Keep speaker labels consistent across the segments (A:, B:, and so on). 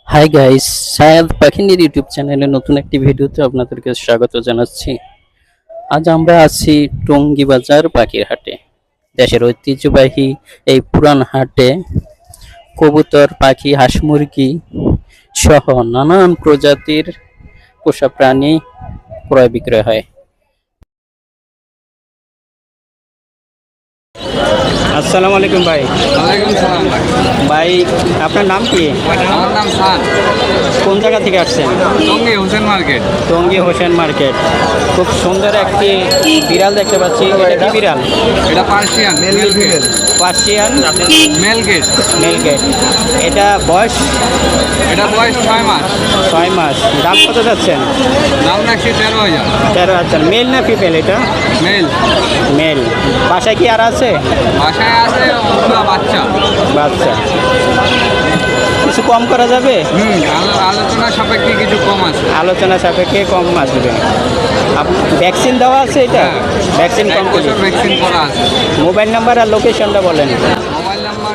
A: High guys, সায়াদ পাখিনীর YouTube চ্যানেলে নতুন একটি ভিডিওতে আপনাদেরকে স্বাগত জানাচ্ছি। আজ আমরা আছি টঙ্গী বাজার পাখির হাটে। দেশের ঐতিহ্যবাহী এই পুরান হাটে কবুতর, পাখি, হাঁস মুরগি সহ নানান প্রজাতির পোষা প্রাণী ক্রয় বিক্রয় হয়। আসসালামু আলাইকুম ভাই।
B: ওয়ালাইকুম সালাম ভাই।
A: ভাই, আপনার নাম কি?
B: আমার নাম সান।
A: কোন জায়গা থেকে আসছেন?
B: টঙ্গী হোসেন মার্কেট।
A: টঙ্গী হোসেন মার্কেট। খুব সুন্দর একটি বিড়াল দেখতে পাচ্ছি। এটা কি বিড়াল?
B: এটা Persian male cat.
A: Persian
B: male cat.
A: Male cat. এটা বয়স?
B: এটা বয়স 6 মাস।
A: 6 মাস। দাম কত যাচ্ছেন?
B: দাম রাখছি 13,000।
A: 13,000। মেল না ফিমেল এটা?
B: মেল।
A: মেল। বাসায় কি আর আছে?
B: বাসায় আছে ওগুলা বাচ্চা।
A: বাচ্চা। কিছু কম করা যাবে?
B: আলোচনা সাপেক্ষে কিছু কম আছে।
A: আলোচনা সাপেক্ষে কম আসবে। ভ্যাকসিন দেওয়া আছে এটা? ভ্যাকসিন
B: এক
A: কমপ্লিট।
B: বছর ভ্যাকসিন করা আছে।
A: মোবাইল নাম্বার আর লোকেশনটা বলেন।
B: Mobile number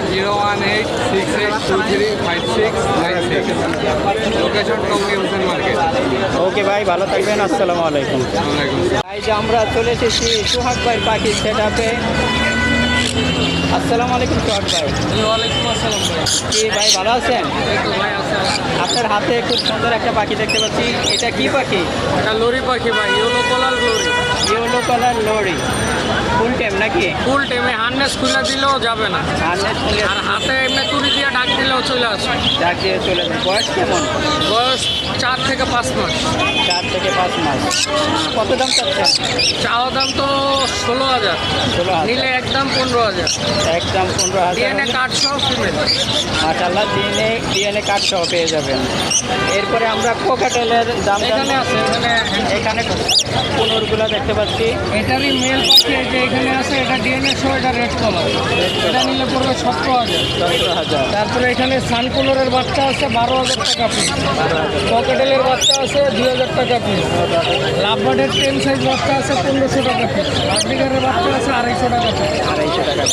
B: 01868235696। Location Tongi Hossain market.
A: Okay ভাই, ভালো থাকবেন। আসসালামু আলাইকুম।
B: ওয়ালাইকুম সালাম।
A: এই যে আমরা চলে এসেছি সোহাগ ভাই পাখি সেটআপে। আসসালামু আলাইকুম সোহাগ ভাই।
B: ওয়ালাইকুম আসসালাম ভাই।
A: কি ভাই, ভালো আছেন?
B: ভাই আছে।
A: আপনার হাতে খুব সুন্দর একটা পাখি দেখতে পাচ্ছি। এটা কি পাখি?
B: এটা লরি পাখি ভাই, yellow colour lory.
A: Yellow colour lory. Full time নাকি?
B: ফুল টাইমে হার্নেস খুলে দিলেও যাবে না,
A: হার্নেস খুলে
B: আর হাতে এমনি তুলি দিয়ে ডাক দিলেও চলে আসে।
A: ডাক দিয়ে চলে যায়। বয়স কেমন?
B: বয়স 4 থেকে 5 মাস।
A: 4 থেকে 5 মাস। কত দাম চাচ্ছেন?
B: চাওয়া দাম তো 16,000,
A: 16,000।
B: নিলে একদম 15,000।
A: একদম 15,000।
B: ডিএনএ কার্ড সহ ফিমেল।
A: মাশাআল্লাহ, ডিএনএ কার্ড সহ পেয়ে যাবেন। এরপরে আমরা কোকাটেলের দাম
B: এখানে আছে,
A: এখানে কোনোরগুলো দেখতে পাচ্ছি।
B: এটারই মেল পাখি যে এখানে আছে, এটা ডিএনএ সহ, এটা রেড কালার। এটা নিলে পড়বে 17,000।
A: 17,000।
B: তারপরে এখানে সানকুলারের বাচ্চা আছে 12,000 টাকা পিস। ককেটেলের বাচ্চা আছে 2,000 টাকা পিস। লাভবার্ডের 10 সাইজ বাচ্চা আছে 1500 টাকা পিস। লাভবিগারের বাচ্চা আছে 250 টাকা পিস।
A: 250 টাকা।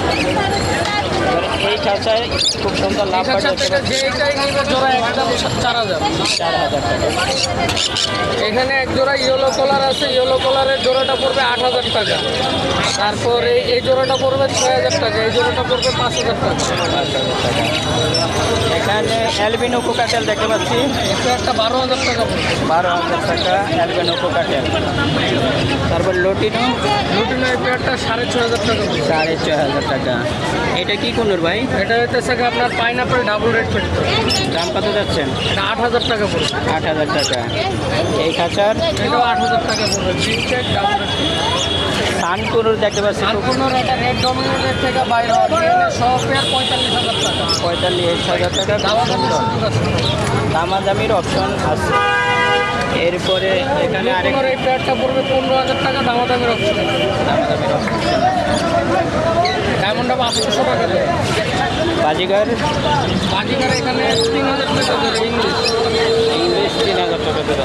A: এই খাঁচায় খুব সুন্দর লাভ
B: ঠিক আছে, যে এটাই নিবে জোড়া একদম 4,000।
A: 4,000 টাকা।
B: এখানে এক জোড়া ইয়েলো কালার আছে, ইয়েলো কালারের জোড়াটা পড়বে 8,000 টাকা। তারপরে এই জোড়াটা পড়বে 6,000 টাকা, এই জোড়াটা পড়বে 5,000 টাকা।
A: 5,000 টাকা। এখানে অ্যালবিনো কোকাটেল দেখতে পাচ্ছি।
B: এটা একটা 12,000 টাকা পড়বে।
A: 12,000 টাকা অ্যালবিনো কোকাটেল। তারপর লটিনো।
B: লুটিনো এই পেয়ারটা 6,500 টাকা পড়বে।
A: 6,500 টাকা। এটা কি কোনোর ভাই?
B: এটা হইতেছে কি আপনার পাইনাপেল ডাবল রেড পেট।
A: দাম কত যাচ্ছেন?
B: এটা 8,000 টাকা পড়বে।
A: 8,000 টাকা। এই খাঁচার
B: এটাও 8,000 টাকা পড়বে। চিনটেক ডাবল রেড।
A: সানকুনুর দেখতে পাচ্ছি।
B: আর কোনো এটা রেড ডমিনেটের থেকে বাইরে হবে, সব পেয়ার 45,000 টাকা।
A: 45,000 টাকা।
B: দামাদামি সুযোগ আছে।
A: দামাদামির অপশন আছে। এরপরে এখানে আরেক
B: এই পেয়ারটা পড়বে 15,000 টাকা, দামাদামির অপশন।
A: দামাদামির অপশন।
B: ডায়মন্ডটা 500 টাকা দেবে।
A: বাজিগার।
B: বাজিকার এখানে 3,000 টাকা দেবে ইংলিশ।
A: ইংলিশ 3,000 টাকা দেওয়া।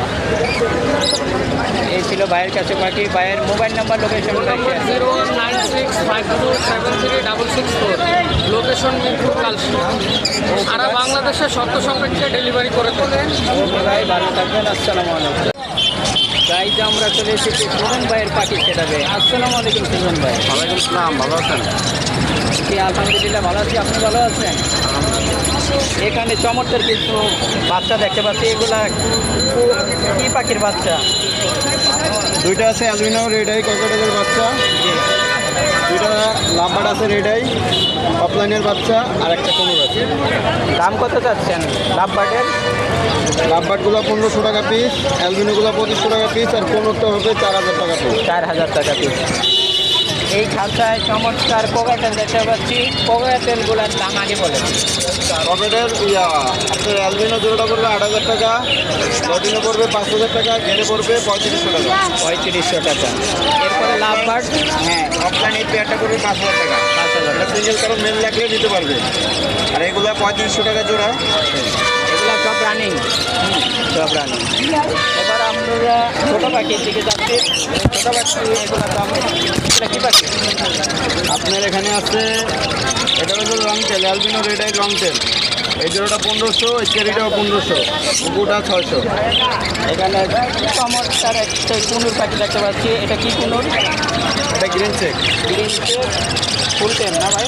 A: এই ছিল ভাইয়ের কাছে পাখি। ভাইয়ের mobile number, location.
B: 019652736664। Location Mirpur Kalshi. সারা বাংলাদেশে শর্ত সাপেক্ষে ডেলিভারি করে থাকে।
A: ওকে ভাই, ভালো থাকবেন। আসসালামু আলাইকুম। গাইজ আমরা চলে এসেছি সুজন ভাইয়ের পাখি সেটাবে। আসসালামু আলাইকুম সুজন ভাই।
B: ওয়ালাইকুম আসসালাম, ভালো আছেন?
A: জি আলহামদুলিল্লাহ ভালো আছি। আপনি ভালো আছেন? এখানে চমৎকার কিছু বাচ্চা দেখতে পাচ্ছি। এগুলা কি পাখির বাচ্চা?
C: দুইটা আছে অ্যালবিনো রেড আই ককেটেলের বাচ্চা,
A: জি।
C: দুইটা লাভবার্ড আছে রেড আই অফলাইনের বাচ্চা, আর একটা কোনোর আছে।
A: দাম কত চাচ্ছেন লাভবার্ডের?
C: লাভবার্ডগুলো 1,500 টাকা পিস, অ্যালবিনোগুলো 2,500 টাকা পিস, আর কোনোরটা হবে 4,000 টাকা পিস।
A: 4,000 টাকা পিস। এই খাঁচায় চমৎকার কোকাটেল দেখতে পাচ্ছি। কোকাটেলগুলোর দাম আগে বলেন।
C: ককেটের আপনার অ্যালবিনো জোড়াটা পড়বে 8,000 টাকা, লটিনো পড়বে 5,000 টাকা, ঘেরে পড়বে 3,500 টাকা।
A: 3,500 টাকা। এরপরে লাভবার্ড।
C: হ্যাঁ, অফলাইন এই পেয়ারটা করবে 5,000 টাকা।
A: 5,000 টাকা।
C: সিঙ্গেল কারো মেল লাগলে নিতে পারবে। আর এগুলো 3,500 টাকা জোড়া।
A: এগুলো সব রানিং। সব রানিং। এবার আমরা ছোটো পাখির দিকে যাচ্ছি। ছোটো পাখি এগুলো দাম। এটা কি পাখি?
C: আপনার এখানে আছে, এটা হলো long tail, albino red eye long tail. এই জোড়াটা 1500, এই চেরিটাও 1500, কুকুরটা 600।
A: এখানে চমৎকার একটা কুনুর পাখি দেখতে পাচ্ছি। এটা কি কুনুর?
C: এটা green cheek.
A: Green cheek, full time না ভাই?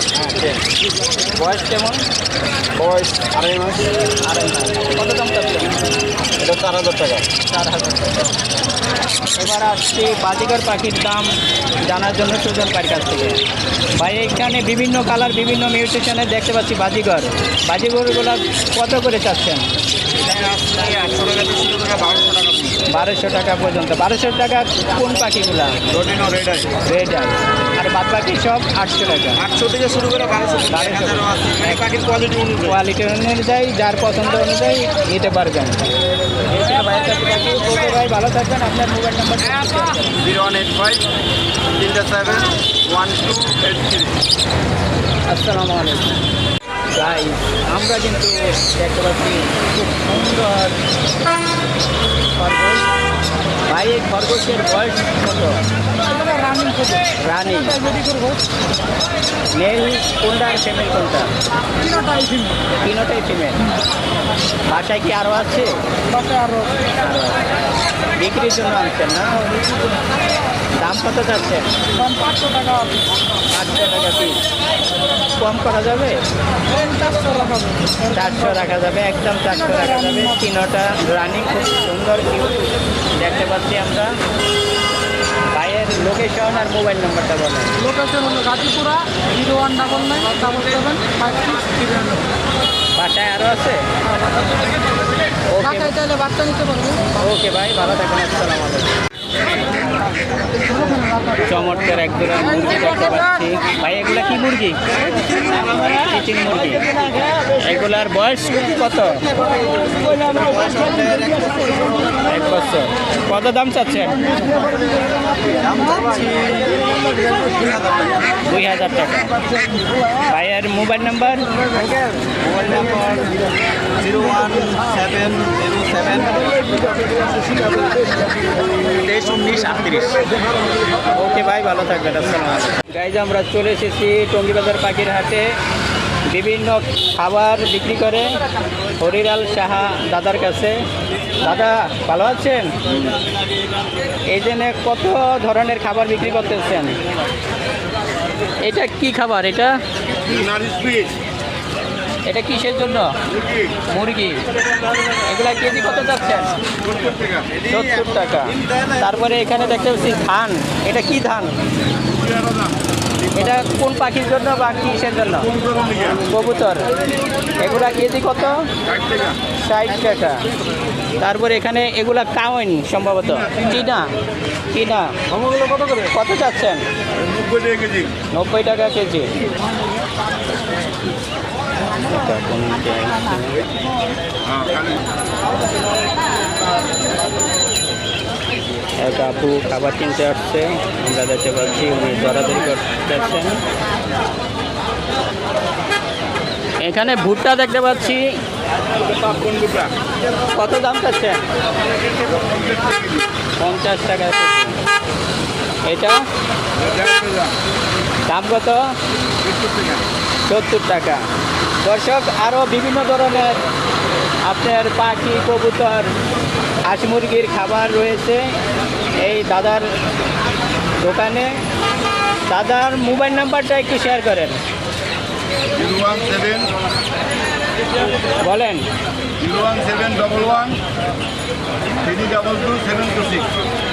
A: বয়স কেমন?
C: বয়স 2.5 মাস।
A: 2.5 মাস। কত দাম চাচ্ছেন?
C: এটা 4000 টাকা।
A: 4000 টাকা। এবার আসছি বাজিগর পাখির দাম জানার জন্য সুজন ভাইয়ের কাছ থেকে। ভাই এখানে বিভিন্ন কালার, বিভিন্ন মিউটেশনে দেখতে পাচ্ছি বাজিগর। বাজিগরগুলো কত করে চাচ্ছেন?
C: এটা আপনি 800 টাকা থেকে শুরু করে 1200 টাকা পিস।
A: 1200 টাকা পর্যন্ত। 1200 টাকা কোন পাখিগুলা?
C: রোডিনো রেড আই।
A: Red eye. আর বাদ বাকি সব 800 টাকা।
C: 800 থেকে শুরু করে 1200 টাকা। 1000 আছে। এই পাখির কোয়ালিটি অনুযায়ী।
A: কোয়ালিটি অনুযায়ী যার পছন্দ অনুযায়ী নিতে পারবেন। এই ছিল ভাইয়ের কাছে পাখি। ওকে ভাই, ভালো থাকবেন। আপনার মোবাইল নাম্বার
C: 0185 37 1283।
A: আসসালামু আলাইকুম। গাইস, আমরা কিন্তু দেখতে পাচ্ছি খুব সুন্দর খরগোশ। ভাই এই খরগোশের বয়স কত? রানিং। মেল কোনটা আর ফিমেল কোনটা? তিনোটাই ফিমেল। বাসায় কি আরও আছে?
B: আরো
A: বিক্রির জন্য আনছেন না? দাম কত যাচ্ছেন?
B: 500 টাকা।
A: 800 টাকা পিস। কম করা যাবে? 400 রাখা যাবে, একদম 400 রাখা যাবে। তিনোটা রানিং, খুব সুন্দর কিউট দেখতে পাচ্ছি আমরা। ভাইয়ের লোকেশন আর মোবাইল নাম্বারটা বলেন।
B: লোকেশন হলো গাজীপুরা 01997775693।
A: বাসায় আরও আছে? ওকে
B: ঢাকায় চাইলে বাচ্চা নিতে পারবে।
A: ওকে ভাই, ভালো থাকেন। আসসালামু আলাইকুম। চমৎকার একজোড়া মুরগি দেখতে পাচ্ছি। ভাই এগুলা কি মুরগি? চিচিং মুরগি। এগুলার বয়স কত? 1 বছর। কত দাম চাচ্ছেন? 2000 টাকা। ভাইয়ের mobile number?
C: Mobile number 01707 231938।
A: Okay ভাই, ভালো থাকবেন। আসসালামু আলাইকুম। গাইজ, আমরা চলে এসেছি টঙ্গীবাজার পাখির হাটে। বিভিন্ন খাবার বিক্রি করে হরিলাল সাহা দাদার কাছে। দাদা, ভালো আছেন? এই জন্য কত ধরনের খাবার বিক্রি করতেছেন? এটা কি খাবার? এটা এটা কিসের জন্য? মুরগি। এগুলা কেজি কত যাচ্ছেন? 70 টাকা। তারপরে এখানে দেখতে পাচ্ছি ধান। এটা কি ধান? এটা কোন পাখির জন্য বা কিসের জন্য? কবুতর। এগুলা কেজি কত? 60 টাকা। তারপরে এখানে এগুলা কাউন সম্ভবত। কিনা
B: কত করে?
A: কত চাচ্ছেন? 90 টাকা কেজি। এক আপু খাবার কিনতে আসছে, আমরা দেখতে পাচ্ছি উনি দরাদরি করতেছেন। এখানে ভুট্টা দেখতে পাচ্ছি। কত দাম চাচ্ছেন? 50 টাকা কেজি। এটা দাম কত? 70 টাকা। দর্শক, আরও বিভিন্ন ধরনের আপনার পাখি, কবুতর, হাঁস মুরগির খাবার রয়েছে এই দাদার দোকানে। দাদার মোবাইল নাম্বারটা একটু শেয়ার করেন।
C: 017
A: বলেন।
C: 01711 322 726।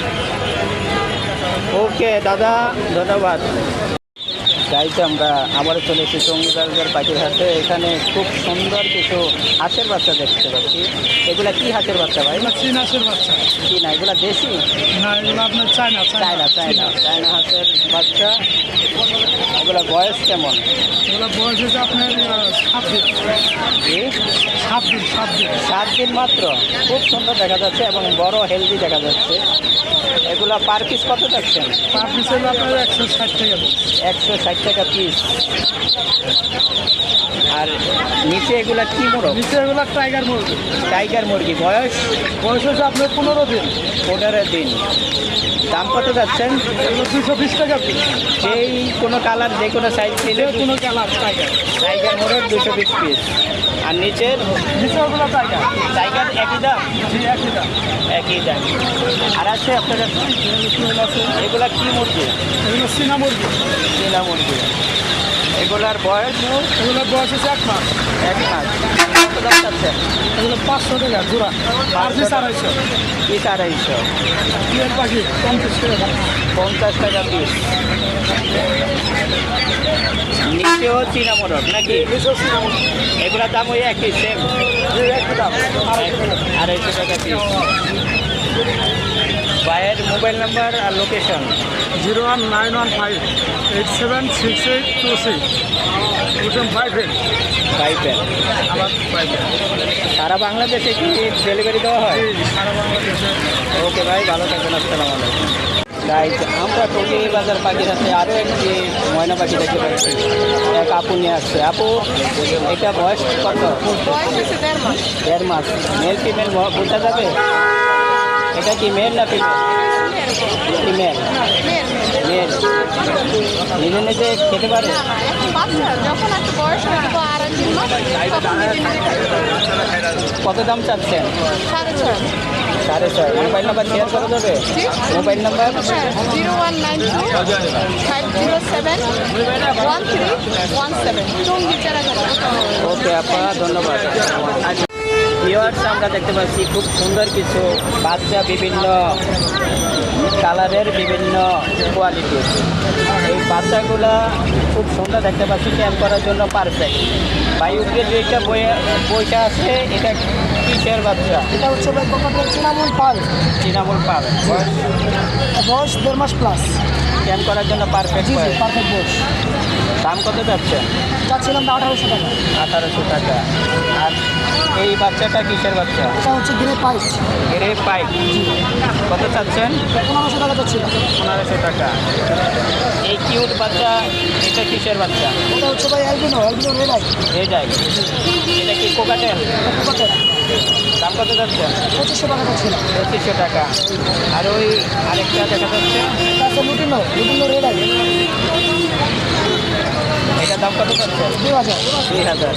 A: ওকে দাদা, ধন্যবাদ। গাইতে আমরা আবারও চলে এসেছি টঙ্গীবাজার পাখির হাটে। এখানে খুব সুন্দর কিছু হাঁসের বাচ্চা দেখতে পাচ্ছি। এগুলা কি হাঁসের বাচ্চা ভাই?
B: চীনাসের বাচ্চা।
A: কি না, এগুলা দেশি?
B: না, এগুলো আপনার চায়না
A: চায়না হাঁসের বাচ্চা। এগুলা বয়স কেমন?
B: এগুলো বয়স হচ্ছে আপনার 7 দিন।
A: জি,
B: 7 দিন।
A: 7 দিন মাত্র। খুব সুন্দর দেখা যাচ্ছে এবং বড় হেলদি দেখা যাচ্ছে। এগুলা পার পিস কত যাচ্ছেন?
B: পার পিস হলো আপনার 160 টাকা।
A: 160 60 টাকা পিস। আর নিচে এগুলা কি মোরগ?
B: নিচে এগুলো টাইগার মুরগি।
A: টাইগার মুরগি বয়স
B: বয়স হচ্ছে আপনার 15 দিন।
A: 15 দিন। দাম কত যাচ্ছেন?
B: এগুলো 220 টাকা পিস।
A: যেই কোনো কালার যে কোনো সাইজ নিলে
B: কোনো কালার টাইগার।
A: টাইগার মোরগ 220 পিস। আর নিচের
B: নিচে ওগুলো টাইগার।
A: টাইগার একই দাম?
B: জি একই দাম।
A: একই দাম। আর আছে আপনার কাছে এগুলা কি মুরগি?
B: এগুলো চীনা মুরগি।
A: চীনা মুরগি। এগুলার বয়স?
B: এগুলোর বয়স হচ্ছে 1 মাস।
A: 1 মাস। কত দাম চাচ্ছেন?
B: এগুলো 500 টাকা জোড়া। আর পিস 250।
A: পিস 250।
B: টিয়ার পাখি 50 টাকা।
A: 50 টাকা পিস। নিচেও চীনা মোরগ নাকি?
B: নিচেও চীনা মুরগি।
A: এগুলোর দাম ওই একই সেম?
B: একই দাম।
A: 250 টাকা পিস। ভাইয়ের মোবাইল নাম্বার আর লোকেশন?
B: 01915876826 58
A: পাইবেন।
B: আবার পাইবেন।
A: সারা বাংলাদেশে কি ডেলিভারি দেওয়া হয়?
B: সারা বাংলাদেশে।
A: ওকে ভাই, ভালো থাকবেন। আসসালামু আলাইকুম। গাইজ, আমরা টঙ্গী বাজার পাখির হাতে আরও একটি ময়না পাখি দেখতে পাচ্ছি। এক আপু নিয়ে আসছে। আপু, এটা বয়স কত?
D: বয়স হচ্ছে 1.5 মাস।
A: 1.5 মাস। মেল ফিমেল বোঝা যাবে? এটা কি মেল না ফিমেল? ফিমেল। মেল। নিজে নিজে খেতে পারে?
D: না, এখন বাচ্চা যখন একটা বয়স হবে 2.5 মাস তখন নিজে নিজে খাইতে পারবে।
A: কত দাম চাচ্ছেন?
D: 6.5।
A: 6.5। মোবাইল নাম্বার শেয়ার করা যাবে? Mobile number?
D: 0192 507 1317 Tongi Charaghat.
A: Okay আপা, ধন্যবাদ। ভিউয়ার্স, আমরা দেখতে পাচ্ছি খুব সুন্দর কিছু বাচ্চা, বিভিন্ন কালারের, বিভিন্ন কোয়ালিটির। এই বাচ্চাগুলা খুব সুন্দর দেখতে পাচ্ছি, ক্যাম্প করার জন্য পারফেক্ট। বায়ুকে যেটা বইটা আছে, এটা কিসের বাচ্চা?
B: এটা হচ্ছে ভাই কোকাটেল চিনামন পাল।
A: তৃণমূল পাবে। বয়স?
B: বয়স 1.5 মাস প্লাস।
A: ক্যাম্প করার জন্য পারফেক্ট।
B: পারফেক্ট বয়স।
A: দাম কত যাচ্ছে?
B: যাচ্ছিলাম 1800 টাকা।
A: 1800 টাকা। আর এই বাচ্চাটা কিসের বাচ্চা?
B: এটা হচ্ছে গ্রে পাইপ।
A: এর পাইপ। কত চাচ্ছেন?
B: 1500 টাকা যাচ্ছিল।
A: 1500 টাকা। এই কিউট বাচ্চা, এটা কিসের বাচ্চা?
B: এটা হচ্ছে ভাই অ্যালবিনো রেড আই।
A: এটাই। এটা কি কোকাটেল?
B: কোকাটেল
A: দাম কত যাচ্ছে?
B: 2500 টাকা যাচ্ছিল।
A: 2500 টাকা। আর ওই আরেকটা দেখা যাচ্ছে,
B: এটা হচ্ছে লুটিনো রেড আই।
A: এটার দাম কত যাচ্ছে?
B: 2000।
A: 2000।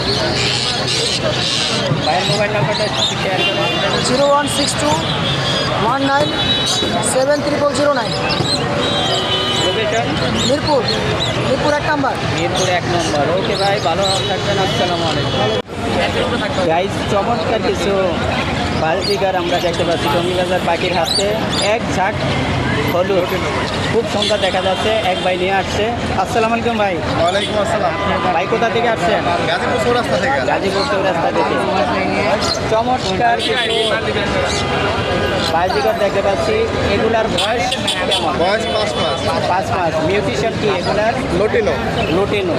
A: ভাইয়ের মোবাইল নাম্বারটা শেয়ার করুন।
B: 0162 19 70009।
A: Location?
B: Mirpur 1 number.
A: Mirpur 1 number. Okay ভাই, ভালো থাকবেন। আসসালামু আলাইকুম। গাইজ, চমৎকার কিছু বালজিগার আমরা দেখতে পাচ্ছি টঙ্গী বাজার পাখির হাতে। এক ঝাঁক হলুদ, খুব সুন্দর দেখা যাচ্ছে। এক ভাই নিয়ে আসছে। আসসালামু আলাইকুম ভাই।
C: ওয়ালাইকুম আসসালাম।
A: ভাই কোথা থেকে আসছেন?
C: গাজীপুর চৌরাস্তা থেকে।
A: গাজীপুর চৌরাস্তা থেকে। চমৎকার কিছু বালজিগার দেখতে পাচ্ছি। এগুলার বয়স কেমন?
C: বয়স 5 মাস।
A: 5 মাস। মিউটিশন কি এগুলার?
C: লটিনো।
A: লুটিনো।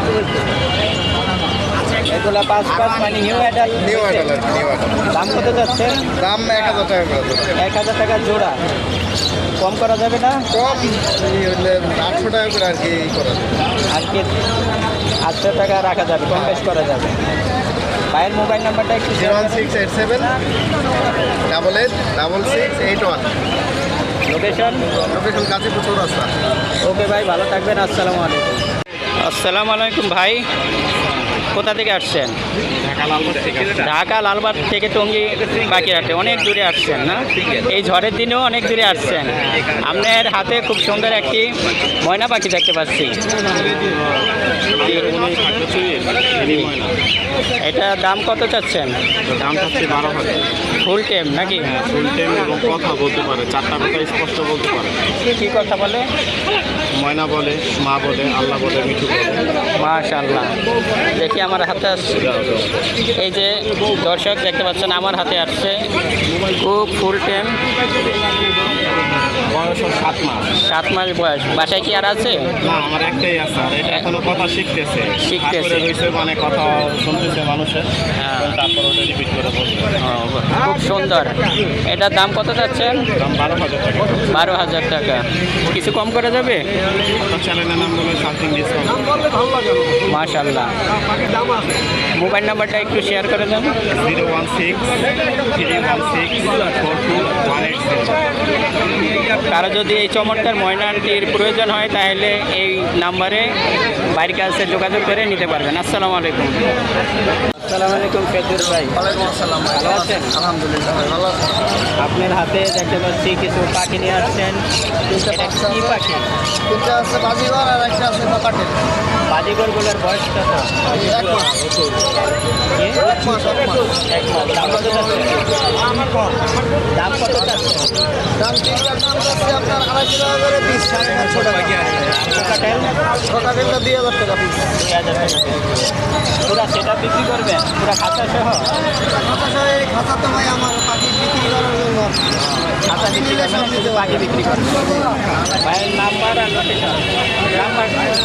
A: এগুলা 5 মাস মানে নিউ অ্যাডাল্ট।
C: নিউ অ্যাডাল আর কি, নিউ অ্যাডাল।
A: দাম কত যাচ্ছে?
C: দাম 1000 টাকা করে দেবো।
A: 1000 টাকা জোড়া। কম করা যাবে না?
C: কম হলে 800 টাকা করে আর কি করা যাবে।
A: আর কি 800 টাকা রাখা যাবে, কম বেশ করা যাবে। ভাইয়ের মোবাইল নাম্বারটা একটু
C: 01687 88 6681।
A: লোকেশন?
C: লোকেশন গাজীপুর চৌরাস্তা।
A: ওকে ভাই, ভালো থাকবেন। আসসালামু আলাইকুম। আসসালামু আলাইকুম ভাই, কোথা থেকে আসছেন? ঢাকা লালবাগ থেকে টঙ্গী বাগেরহাটে। অনেক দূরে আসছেন না? এই ঝড়ের দিনেও অনেক দূরে আসছেন। আপনার হাতে খুব সুন্দর একটি ময়না পাখি দেখতে পাচ্ছি। এটা দাম কত চাচ্ছেন?
C: দাম হচ্ছে 12,000।
A: ফুল টেম নাকি?
C: ফুল টাইম এবং কথা বলতে পারে, 4টা কথা স্পষ্ট বলতে পারে।
A: কি কথা বলে?
C: ময়না বলে, মা বলে, আল্লাহ বলে, মিঠু বলে।
A: মাশাআল্লাহ। দেখি আমার হাতে আসছে। এই যে দর্শক দেখতে পাচ্ছেন, আমার হাতে আসছে খুব ফুল টেম
C: বয়স ওর 7 মাস।
A: 7 মাস বয়স। বাসায় কি আর আছে?
C: না, আমার একটাই আছে, আর এটা এখনো কথা শিখতেছে।
A: শিখতেছে।
C: হাত করে রইছে, মানে কথা শুনতেছে মানুষের,
A: হ্যাঁ।
C: তারপর ওটা রিপিট করে বলবে।
A: খুব সুন্দর। এটার দাম কত যাচ্ছেন?
C: দাম 12,000 টাকা।
A: 12,000 টাকা। কিছু কম করে যাবে?
C: আপনার চ্যানেলের নাম বলে সামথিং ডিসকাউন্ট।
A: মাশাআল্লাহ। মোবাইল নাম্বারটা একটু শেয়ার করে দেন।
C: 016-316-42180।
A: কারো যদি এই চমৎকার ময়নাটির প্রয়োজন হয় তাহলে এই নাম্বারে বাইরের কাছে যোগাযোগ করে নিতে পারবেন। আসসালামু আলাইকুম। আসসালামু আলাইকুম ফেদুর ভাই।
B: ওয়ালাইকুম আসসালাম।
A: ভালো আছেন?
B: আলহামদুলিল্লাহ ভাই, ভালো আছেন?
A: আপনার হাতে দেখতে পাচ্ছি কিছু পাখি নিয়ে আসছেন। এটা কি পাখি?
B: তিনটা আছে বাজিগর আর একটা আছে ককাটেল।
A: বাজিগরগুলোর বয়স কত?
B: 1 মাস।
A: কি?
B: 1 মাস।
A: 1 মাস। দাম কত যাচ্ছে? দাম কত যাচ্ছে?
B: দাম তিনটার দাম যাচ্ছে আপনার 2,500 টাকা করে পিস, 750 টাকা।
A: কোকাটেল
B: ককাটেলটা 2,000 টাকা পিস।
A: 2,000 টাকা পিস। পুরা সেটা বিক্রি করবেন? পুরা খাতা সহ?
B: এই খাতা তো ভাই আমার পাখি বিক্রি করার জন্য।
A: খাতা বিক্রি করবেন, শুধু পাখি বিক্রি করবেন। ভাইয়ের নাম্বার আর লোকেশন। নাম্বার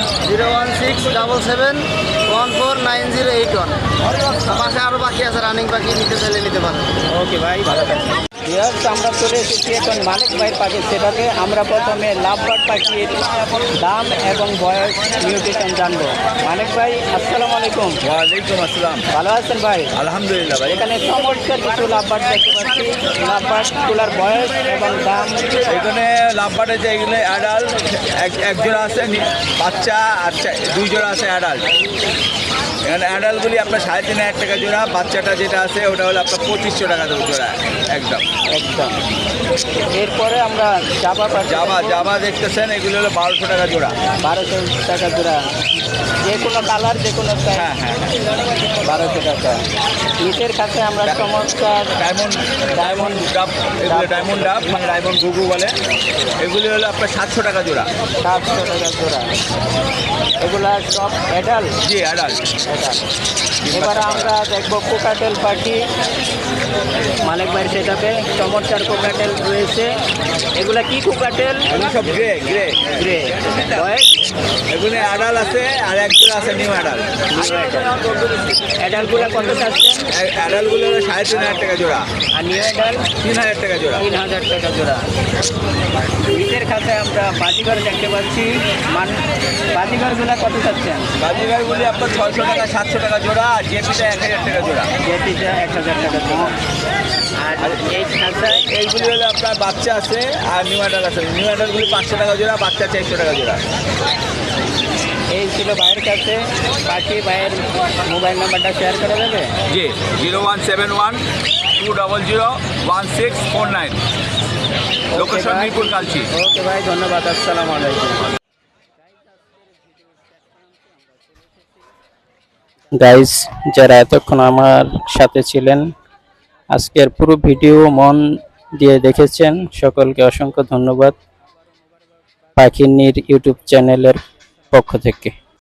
B: 01677149081। পাশে আরও পাখি আছে, রানিং পাখি নিতে চাইলে নিতে পারেন।
A: ওকে ভাই, ভালো থাকবেন। ভিউয়ার্স, আমরা চলে এসেছি এখন মালিক ভাইয়ের পাখির সেটাতে। আমরা প্রথমে লাভবার্ড পাখির দাম এবং বয়স নিউট্রিশন জানবো। মালিক ভাই, আসসালামু আলাইকুম।
C: ওয়ালাইকুম আসসালাম।
A: ভালো আছেন ভাই?
C: আলহামদুলিল্লাহ ভাই।
A: এখানে চমৎকার কিছু লাভবার্ড দেখতে পাচ্ছি। লাভবার্ডগুলোর বয়স এবং দাম।
C: এখানে লাভবার্ড আছে, এগুলো অ্যাডাল্ট এক জোড়া আছে, বাচ্চা আর 2 জোড়া আছে অ্যাডাল্ট। এখানে অ্যাডাল্টগুলি আপনার 3,500 টাকা জোড়া, বাচ্চাটা যেটা আছে ওটা হলো আপনার 2,500 টাকা জোড়া একদম।
A: একদম। এরপরে আমরা
C: জাবা দেখতেছেন, এগুলো হলো 1,200 টাকা জোড়া।
A: 1200 টাকা জোড়া। যে কোনো কালার, যে কোনো size।
C: হ্যাঁ হ্যাঁ
A: 1200 টাকা। নিচের কাছে আমরা চমৎকার
C: ডায়মন্ড ডাব, এগুলো ডায়মন্ড ডাব, মানে ডায়মন্ড গুগু বলে। এগুলি হলো আপনার 700 টাকা জোড়া।
A: 700 টাকা জোড়া। এগুলা সব অ্যাডাল্ট।
C: জি অ্যাডাল্ট।
A: এবারে আমরা দেখবো কোকাটেল পাখি। মালিক ভাইয়ের সেটাতে চমৎকার কোকাটেল রয়েছে। এগুলা কি কোকাটেল?
C: এগুলো সব গ্রে গ্রে
A: গ্রে। বয়স?
C: এগুলো অ্যাডাল্ট আছে আর এক জোড়া আছে নিউ অ্যাডাল্ট।
A: অ্যাডাল্টগুলো কত চাচ্ছেন?
C: অ্যাডাল্টগুলো হলো 3,500 টাকা জোড়া।
A: আর নিউ অ্যাডাল্ট?
C: 3,000 টাকা জোড়া।
A: 3,000 টাকা জোড়া। নিচের খাতায় আমরা বাজিঘর দেখতে পাচ্ছি। বাজিঘরগুলো কত চাচ্ছেন?
C: বাজিগারগুলি আপনার 600 টাকা 700 টাকা জোড়া, আর জেপিটা 1,000 টাকা জোড়া।
A: যেটিটা 1,000 টাকা জোড়া। আর এই খাতায়
C: এইগুলি হলো আপনার বাচ্চা আছে আর নিউ অ্যাডাল্ট আছে। নিউ অ্যাডাল্টগুলি 500 টাকা জোড়া, বাচ্চা 400 টাকা জোড়া।
A: এই ছিল ভাইয়ের কাছে পাখি। ভাইয়ের মোবাইল নাম্বারটা শেয়ার করা যাবে?
C: জি 0171-200-1649। লোকেশন
A: ভাই।
C: মিরপুর কালচি।
A: ওকে ভাই, ধন্যবাদ। আসসালামু আলাইকুম। গাইস, যারা এতক্ষণ আমার সাথে ছিলেন, আজকের পুরো ভিডিও মন দিয়ে দেখেছেন, সকলকে অসংখ্য ধন্যবাদ পাখিনীর ইউটিউব চ্যানেলের পক্ষ থেকে।